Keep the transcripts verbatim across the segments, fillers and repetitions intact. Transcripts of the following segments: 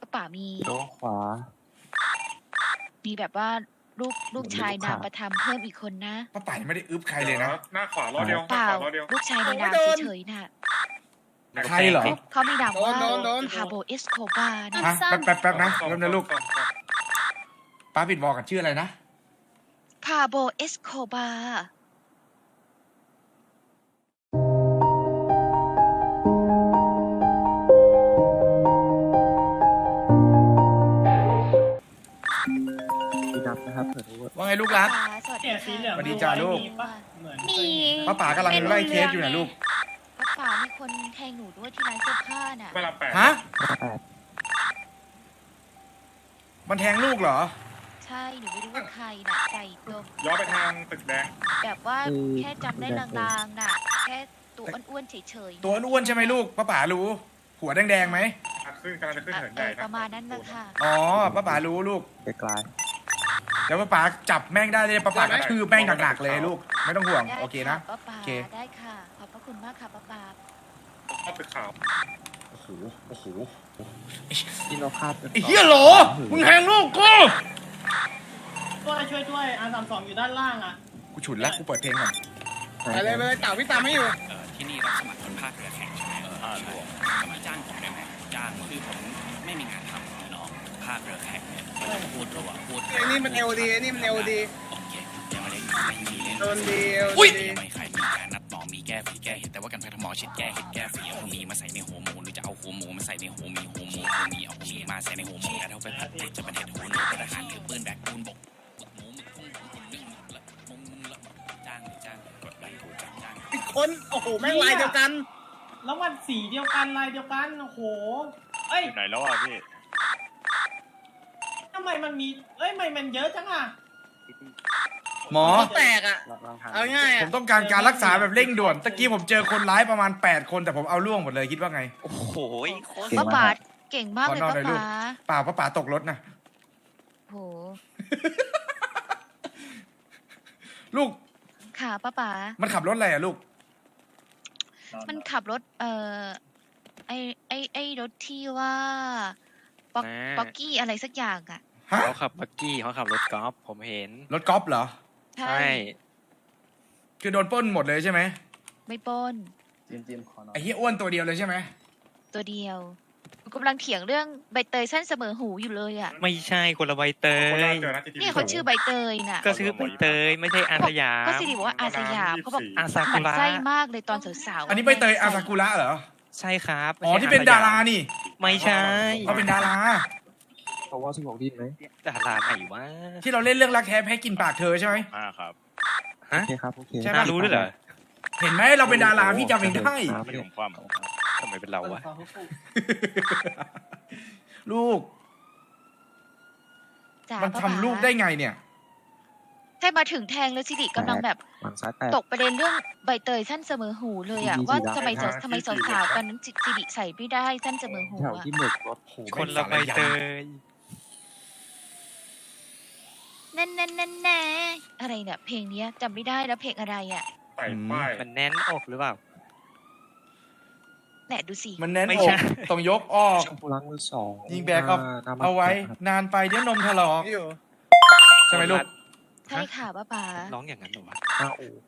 ป๋ามีโต๊ะขวามีแบบว่าลูกลูกชายนามประทับเพิ่มอีกคนนะป้าป๋ายังไม่ได้อึบใครเลยนะหน้าขวาล้อเดียวเปล่าหน้ขวล้อเดียวลูกชายในนามเฉยๆน่ะใครเหรอเขามีนามว่าโดนโดนพาโบเอสโคบานะฮะแป๊บแป๊บแป๊บนะซ่อมแป๊บนะลูกซ่อมซ่อมป้าปิดวอลกันชื่ออะไรนะพาโบเอสโคบาดีนับนะครับเผื่อรู้ว่าว่าไงลูกรักป๋าสวัสดีเนี่ยสีเหลืองสวัสดีจ้าลูกมีปะเหมือนมีป้าป๋ากำลังไล่เคสอยู่นะลูกป้าป๋ามีคนแทงหนูด้วยที่ร้านเสื้อผ้าน่ะเวลาแปดฮะแปดมันแทงลูกเหรอใช่หนูไม่รู้ว่าใครน่ะใส่ตัวย้อนไปทางตึกแดงแบบว่าแค่จำได้ลางๆน่ะ แค่ตัวอ้วนๆเฉยๆตัวอ้วนๆใช่ไหมลูก ป้าป๋ารู้ หัวแดงๆไหมอ่ะขึ้นกำลังจะขึ้นเหินใหเอญ่อนะประมาณนั้นนะคะอ๋อ ป้าป๋ารู้ลูกไกลเดี๋ยวป้าป๋าจับแม่งได้เลยป้าป๋ากระทืบแม่งหนักๆเลยลูก ไม่ต้องห่วงได้โอเคนะป้าป๋าโอเคได้ค่ะ ขอบพระคุณมากค่ะป้าป๋าเข้าตึกขาวโอ้โห โอ้โหๆที่เราคาดไอ้เหี้ยโหล มึงแทงลูกกูช่วยช่วยช่วยอาร์สามสองอยู่ด้านล่างอ่ะกูฉุนแล้วกูเปิดเพลงก่อนไปเลยไปเลยเต่าพี่ตามไม่อยู่เอ่อที่นี่รับสมัครคนภาคเรือแข่งใช่ไหมเออใช่สมัครจ้างผมได้ไหมจ้างคือผมไม่มีงานทำเลยเนาะภาคเรือแข่งเนี่ยก็จะพูดระหว่างพูดไอ้นี่มันเอลดีไอ้นี่มันเอลดีโอเคยังไม่ได้ไม่มีเล่นโดนดีเอลอุ้ยดีไม่ใครมีการนัดหมอมีแก้ฝีแก้เห็ดแต่ว่ากันแพทย์หมอเช็ดแก้เห็ดแก้ฝีเอาหัวหมีมาใส่ในหัวหมูหรือจะเอาหัวหมูมาใส่ในหัวหมีหัวหมูหัวหมีเอาหัวหมีมาใส่ในหัวหมูแล้วเอาไปผัดเผ็ดจะเป็นเห็ดหัวหนูทหารถือปืนแบกปูนบกหมึกหมูหมึกกุ้งหมึกหุ่นนึ่งหมึกละมงมึงละจ้างจ้างกดไลค์ถูกจ้างจ้างอีกคนโอ้โหแม่งลายเดียวกันแล้วมันสีเดียวกันลายเดียวกันโอ้โหเอ้ยไหนแล้วอ่ะพี่ทำไมมันมีเอ้ยทำไมมันเยอะจังอ่ะหมอแตกอ่ะลองทางเอาง่ายผอ่ะมต้องการการรักษาแบบเร่งด่วน ตะกี้ผมเจอคนร้ายประมาณแปดคนแต่ผมเอาล่วงหมดเลยคิดว่าไงโอ้โหโคตรป้าป๋าเก่งมากเลยขอนอนป้าหน่อยลูกป๋าเปล่าป้าป๋าตกรถนะโหลูกค่ะป้าป๋ามันขับรถอะไรอะลูกมันขับรถ เอ่อ ไอไอไอรถที่ว่าป๊อกแม่ป๊อกกี้อะไรสักอย่างอ่ะฮะเขาขับบักกี้เขาขับรถกอล์ฟผมเห็นรถกอล์ฟเหรอใช่ใช่คือโดนปล้นหมดเลยใช่ไหมไม่ปล้นจิมจิมขอหน่อยไอ้เหี้ยอ้วนตัวเดียวเลยใช่ไหมตัวเดียวกำลังเถียงเรื่องใบเตยสั้นเสมอหูอยู่เลยอ่ะไม่ใช่คนละใบเตคนละยเจอนะที่นี่เขาชื่อใบเตยน่ะก็ชื่อใบเตยไม่ใช่อาสยามก็สิริบอกว่าอาสยามเขาบอกอาซาหกุมันระไส้มากเลยตอนสาวๆอันนี้ใบเตยอาซากุระเหรอใช่ครับอ๋อไม่ใช่ที่เป็นดารานี่ไม่ใช่เขาเป็นดาราเพราะว่าสมองดีไหมดาราไหนวะที่เราเล่นเรื่องรักแท้แพ้กินปากเธอใช่ไหมอ่าครับโอฮะเคครับโอเคใช่ปะน่ารู้ด้วยเหรอเห็นไหมเราเป็นดาราพี่จำเองได้พี่ผมความทำไมเป็นเราวะลูกจ๋ามันป้าทำลูกได้ไงเนี่ยใช่มาถึงแทงแล้วสิริกำลังแบบหลังซ้ายแปดตกประเด็นเรื่องใบเตยสั้นเสมอหูเลยอ่ะดีๆว่าดีๆทำไมได้ทำไมสาวๆตอนนั้นสิริใส่ไม่ได้สั้นเสมอหูแถวอ่ะที่หมึกรถโหคนละใบเตยแน่นแน่นแน่นแน่อะไรเนี่ยเพลงเนี้ยจำไม่ได้แล้วเพลงอะไรอ่ะใส่ป้ายมันแน่นอกหรือเปล่าแหนดูสิมันแน่นไม่อใช่กต้องยกออกช่องผู้ล้างมือสองยิงแบกเอาหน้หน้เอาไว้บ้นครับนานไปเดี๋ยวนมถลอกอยู่ใช่ไหมลูกใช่ค่ะป้าป๋าร้องอย่างนั้นเหรอวะหน้าอู่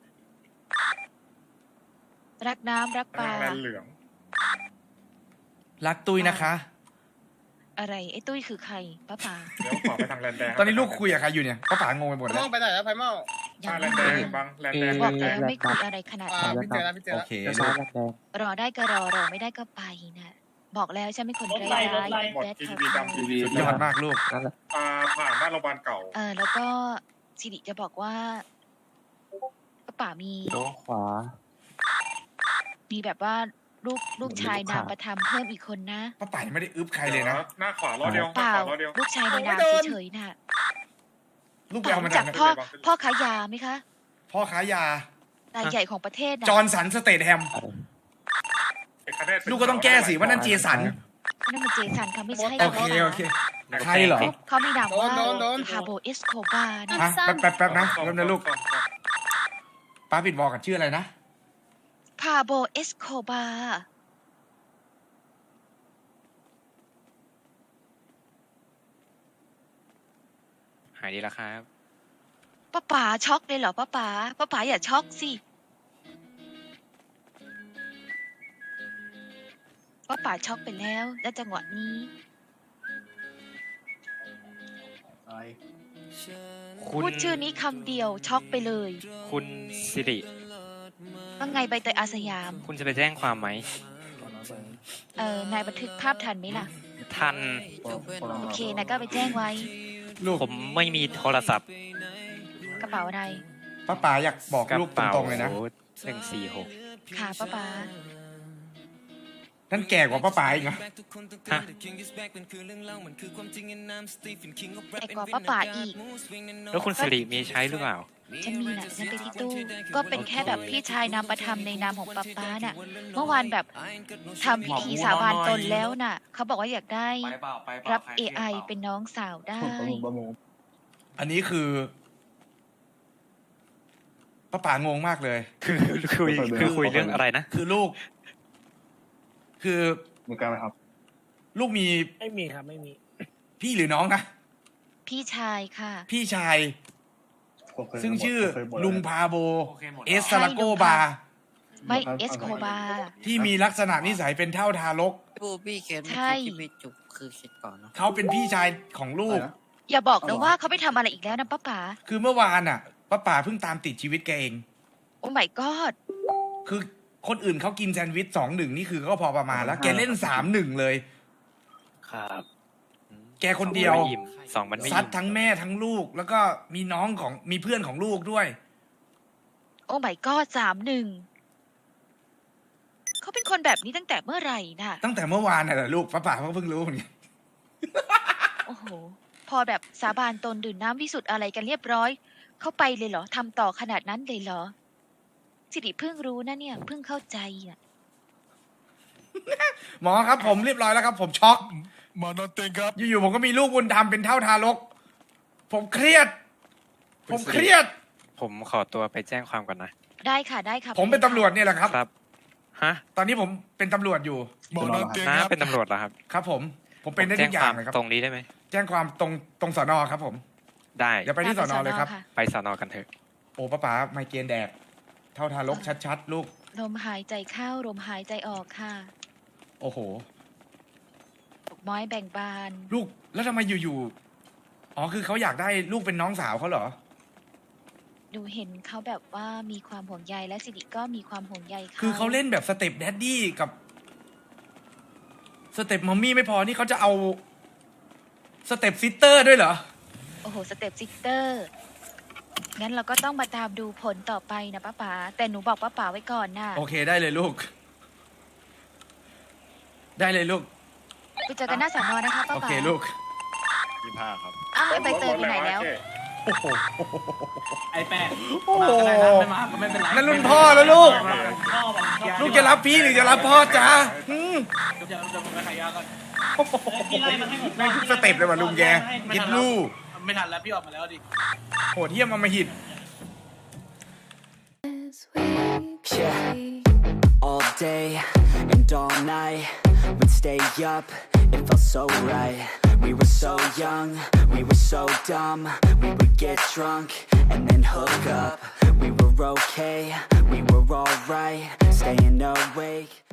รักน้ำรักปลาทางแลนเหลืองรักตุ้ยนะคะอะไรไอ้ตุ้ยคือใครป้าป๋าเดี๋ยวขวาไปทางแลนแดงตอนนี้ลูกคุยกับใครอยู่เนี่ยป้าป๋างงไปหมดไพแล้มวอลไปไหนแล้วไพมอลยัทาง งแลไม่นแดรู้งบังแลนแดงบอกแล้วไม่คุยอะไรขนาดอ่านั้นพี่เจอแล้วพี่เจอโอแล้วเคเลี้ยวลูซ้ายกแดงแดงรอได้ก็รอรอไม่ได้ก็ไปนะบอกแล้วฉันเป็นคนรถร้ายไล่รถไล่หมดแบดทีคาวีร์ดำทีวีสุดยอดมากลูกนั่นแหละอ่าผ่านหน้าโรงพยาบาลเก่าเออแล้วก็สิริจะบอกว่าป้าป๋ามีโต๊ะขวามีแบบว่าลูกลูกชายลูกนามค้าประทับเพิ่มอีกคนนะป้าป๋ายังไม่ได้อึบใครเลยนะหน้าขวาล้อเดียวหเปน้าล่าขวาล้อเดียวลูกชายในนามเฉยๆน่ะลูกไปป๋าเอามารู้จาจักกไหนพ่อพ่อค้ายาไหมคะพ่อค้ายารายใหญ่ของประเทศนะจอร์นสันสเตทแฮมไอ้คะแนนเป็นลูกก็ต้องแก้สิว่านั่นเจสันนั่นมันเจสันค่ะไม่ใช่โอเคโอเค ใครเหรอเขามีนามว่าโดนโดนพาโบเอสโคบานะฮะแป๊บแป๊บแป๊บนะแป๊บนะลูกซ่อมซ่อมป้าปิดวอลกันชื่ออะไรนะพาโบเอสโคบาหายดีแล้วครับป้าป๋าช็อกเลยเหรอป้าป๋าป้าป๋าอย่าช็อกสิป้าป๋าช็อกไปแล้วและจังหวะนี้อะไรคุณพูดชื่อนี้คำเดียวช็อกไปเลยคุณสิริว่าไงใบเตยอาสยามคุณจะไปแจ้งความไหมเออนายบันทึกภาพทันไหมล่ะทันโอเคนายก็ไปแจ้งไว้ลูกผมไม่มีโทรศัพท์กระเป๋าอะไรป้าป๋าอยากบอกกระลูกตเป๋ารงๆเลยนะหนึ่งสี่หกค่ะป้าป๋านั่นแก่กว่าป้าป๋าอีกเหรอฮะแอกกว่าป้าป๋าอีกแล้วคุณสิริมีใช้หรือเปล่าฉันมีนะฉันไปที่ตู้ ก็เป็นแค่แบบพี่ชายนามประทำในนามของป้าป้าน่ะ เมื่อวานแบบทำพิธีสาบานตนแล้วน่ะ เขาบอกว่าอยากได้รับ เอ ไอ เป็นน้องสาวได้อันนี้คือป้าป๋างงมากเลยคือคุยคือคุยเรื่องอะไรนะคือลูก คือมีการไหมครับลูกมีไม่มีครับไม่มีพี่หรือน้องนะพี่ชายค่ะพี่ชายผมเคยซึ่งชื่อผมเคยบ่นลุงแล้วพาโบ เอสใช่ซาลาโกลุงบาพา ไม่เอสโคบาที่มีลักษณะนิสัยเป็นเท่าทารกบูบี้เคสใช่ที่ไปจุกคือคิดก่อนเนาะเขาเป็นพี่ชายของลูกอะไรนะอย่าบอกนะว่าเขาไปทำอะไรอีกแล้วนะป้าป๋าคือเมื่อวานอ่ะป้าป๋าเพิ่งตามติดชีวิตแกเองโอ้ my god คือคนอื่นเขากินแซนด์วิชสองหนึ่งนี่คือก็พอประมาณแล้ว แกเล่นสามหนึ่งเลยครับแกคนเดียวไม่อิ่มสองมันไม่ซัดอิ่มทั้งแม่ทั้งลูก แล้วก็มีน้องของมีเพื่อนของลูกด้วยโอ้ my god สามหนึ่งเขาเป็นคนแบบนี้ตั้งแต่เมื่อไหร่น่ะตั้งแต่เมื่อวานน่ะแหละลูกป้าป๋าก็เพิ่งรู้เหมือนกันโอ้โห พอแบบสาบานตนดื่มน้ำวิสุทธ์อะไรกันเรียบร้อย เข้าไปเลยเหรอทำต่อขนาดนั้นเลยเหรอ สิริเพิ่งรู้นะเนี่ยเพิ่งเข้าใจอ่ะหมอครับผมเรียบร้อยแล้วครับ ผมช็อกหมอนอนเต็งครับอยู่ๆผมก็มีลูกบุญธรรมเป็นเท่าทารก ผมเครียด ผมเครียดผมขอตัวไปแจ้งความก่อนนะได้ค่ะได้ค่ะผมเป็นตำรวจเนี่ยแหละครับครับ ฮะตอนนี้ผมเป็นตำรวจอยู่หมอนอนเต็งน้าครับเป็นตำรวจเหรอครับครับผม ผมเป็นได้แจ้ทุงกอคย่าวาง มเลยครับตรงนี้ได้ไหมแจ้งความตรงตรงสอนอครับผมได้อย่าไปที่สอนอเลยครับะไปสอนอกันเถอะโอ้ป้าป๋าไมเกรนแดก เท่าทารกชัดๆ ลูกลมหายใจเข้าลมหายใจออกค่ะโอ้โหปลุกม้อยแบ่งบานลูก แล้วทำไมอยู่ๆ อ๋อ คือเขาอยากได้ลูกเป็นน้องสาวเขาเหรอดูเห็นเขาแบบว่ามีความห่วงใยและสิริก็มีความห่วงใยเขาคือเขาเล่นแบบสเต็ปแดดดี้กับ สเต็ปมัมมี่ไม่พอ นี่เขาจะเอา สเต็ปซิสเตอร์ด้วยเหรอโอ้โห สเต็ปซิสเตอร์ งั้นเราก็ต้องมาตามดูผลต่อไปนะป้าป๋า แต่หนูบอกป้าป๋าไว้ก่อนนะโอเคได้เลยลูก ได้เลยลูกไปเจอกันหน้าสอนอนะคะป้าโอป๋าเคลูกยี่ห้าครับอ้าวแล้วใบเตยไปไหนแล้วโอ้โหไอแปดโอ้โหมาก็ได้นะไม่มาก็ไม่เป็นไรนั่นรุ่นพ่อแล้วลูกพ่อบอกลูกจะรับพี่หรือจะรับพ่อจ๊ะอืมจะจะไปขายยาก่อนพี่ไล่มันให้หมดไม่ทุกสเต็ปเลยว่ะลุงแกคิดลูกไม่ทันแล้วพี่ออกมาแล้วดิโหดเยี่ยมอำมหิต Yeah, all day and all night, we'd stay up, it felt so right. We were so young, we were so dumb, we would get drunk and then hook up. We were okay, we were alright, staying awake.